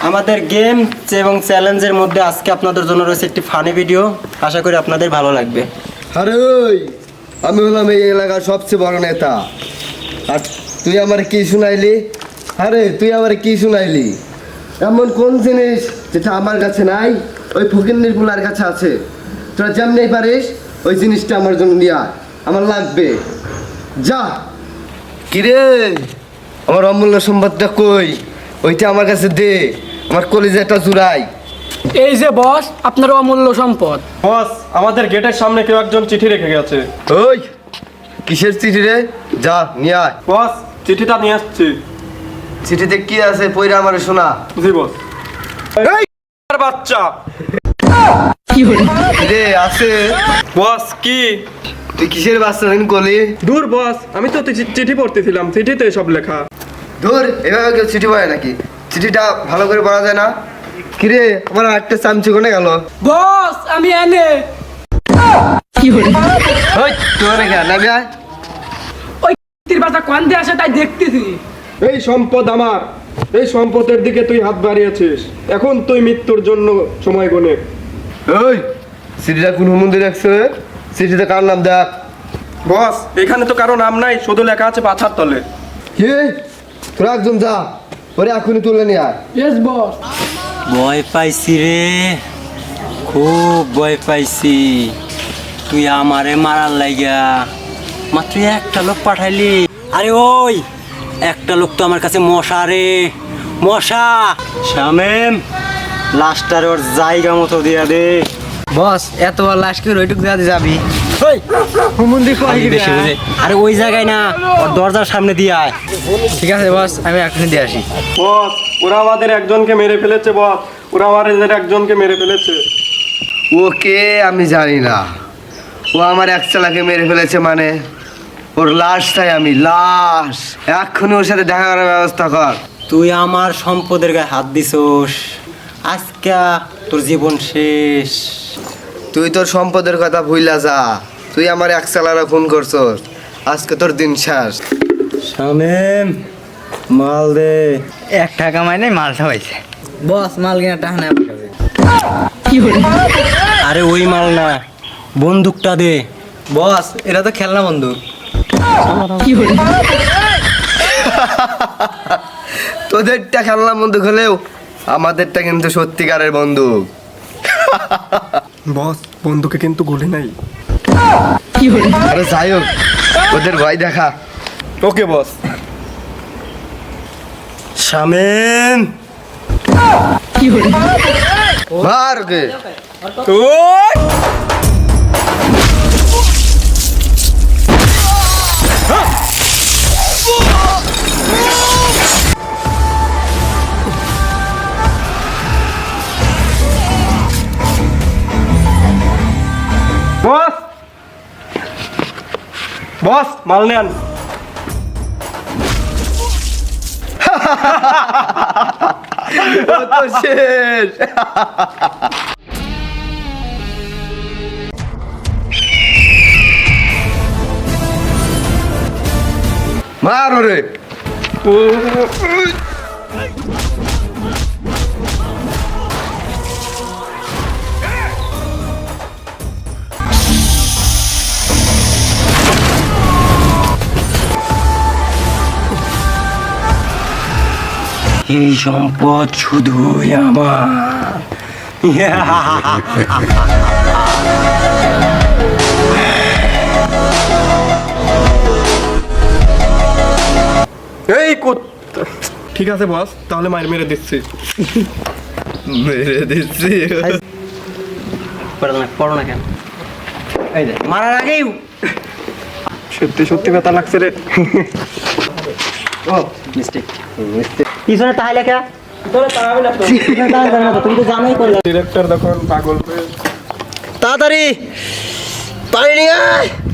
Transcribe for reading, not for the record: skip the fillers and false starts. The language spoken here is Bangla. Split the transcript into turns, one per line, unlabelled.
আমাদের গেম এবং চ্যালেঞ্জের মধ্যে আজকে আপনাদের জন্য রয়েছে একটি ফানি ভিডিও। আশা করি আপনাদের ভালো লাগবে।
আরে ওই আমি হলাম এই এলাকার সবচেয়ে বড় নেতা, আর তুই আমার কি শুনাইলি? আরে তুই আমার কি শুনাইলি? এমন কোন জিনিস যেটা আমার কাছে নাই, ওই ফকিন্নির পুলার কাছে আছে? তোরা যেমনি পারিস ওই জিনিসটা আমার জন্য নিয়ে আয়, আমার লাগবে। যা। কিরে, আমার অমূল্য সম্পদটা কই? ওইটা আমার কাছে দে, আমার কলিজাটা জুড়াই।
এই যে বস, আপনার অমূল্য সম্পদ।
বস, আমাদের গেটের সামনে কেউ একজন চিঠি রেখে গেছে।
ওই কিসের চিঠি রে? যা নিয়ে আয়।
বস, চিঠিটা নিয়ে আসছি।
চিঠিতে কি আছে পয়রা আমারে শোনা।
জি বস। এই বাচ্চা
রে আছে।
বস কি?
তুই কিসের বাচ্চা দিন কলি?
দূর বস, আমি তো চিঠি পড়তেছিলাম, চিঠিতে সব লেখা।
ধুর, এভাবে কেউ চিঠি পড়ে নাকি? চিঠিটা ভালো করে পড়া যায় না? কিরে, আমার একটা চামচি কোনে গেল?
বস আমি এনে।
ওই তোর রেখা নাবি আয়।
ওই তীর বাচ্চা কান্দে আসে তাই দেখতেছি।
এই সম্পদ আমার, এই সম্পদের দিকে তুই হাত বাড়িয়েছিস, এখন তুই মৃত্যুর জন্য সময় গনে।
ওই চিঠিটা কোন মন্দির রাখছে? চিঠিতে কার নাম দেখ।
বস, এখানে তো কারো নাম নাই, শুধু লেখা আছে পাথার তলে।
কি? তোরা একজন যা, ওরে এখনই তুলে নিয়ে আয়।
Yes boss.
ভয় পাইছি রে, খুব ভয় পাইছি। তুই আমারে মারার লাগা মাত্র একটা লোক পাঠাইলি। আরে ওই একটা লোক তো আমার কাছে মশা রে, মশা। শামেম, লাশটার ওর জায়গা মতো দিয়া দে।
বস এত লাশকে ওইটুক দেওয়া যাবি?
বেশি বুঝে। আরে ওই জায়গায় না, ওর দরজার সামনে দিয়ে আয়।
ঠিক আছে বস, আমি এখনই দিয়ে আসি।
বস, ওরা আমাদের একজনকে মেরে ফেলেছে। বস, ওরা আমাদের একজনকে মেরে ফেলেছে।
ওকে আমি জানি না, ও আমার এক চালাকে মেরে ফেলেছে মানে ওর লাশ চাই আমি, লাশ। এক্ষুনি ওর সাথে দেখা করার ব্যবস্থা কর।
তুই আমার সম্পদের গায়ে হাত দিছোস, আজকে তোর জীবন শেষ।
তুই তোর সম্পদের কথা ভুইলা যা, তুই আমার এক চালারা ফোন করছস, আজকে তোর দিন শেষ।
শামেম, মাল দে।
1 টাকা মাইনে মালটা হয়েছে। বস মাল কিনা টাকা নেই আমার কাছে।
আরে ওই মাল না, বন্দুকটা দে।
বস এটা তো খেলনা বন্দুক।
তোদেরটা খেলনা বন্দুক হলেও আমাদেরটা কিন্তু সত্যিকারের বন্দুক।
বস, বন্ধুকে কিন্তু গুলি নাই।
আরে যাই হোক, ওদের ভয় দেখা।
ওকে বস।
শামেম,
মার ওকে।
বস, বস মাল নেন।
ও তো শেষ। মার ওরে।
এই সম্পদ শুধুই আমার।
এই ঠিক আছে বস, তাহলে মার মেরে দিচ্ছি।
মেরে দিচ্ছি।
পড়ো না কেন? এই যে মারার আগেই
সত্যি সত্যি ব্যথা লাগছে রে।
ও মিস্টেক, পিছনে তাহলে লেখা। তুমি তো জানোই করলে।
ডিরেক্টর তখন পাগল হয়ে
তাড়াতাড়ি পানি নিয়ে আয়।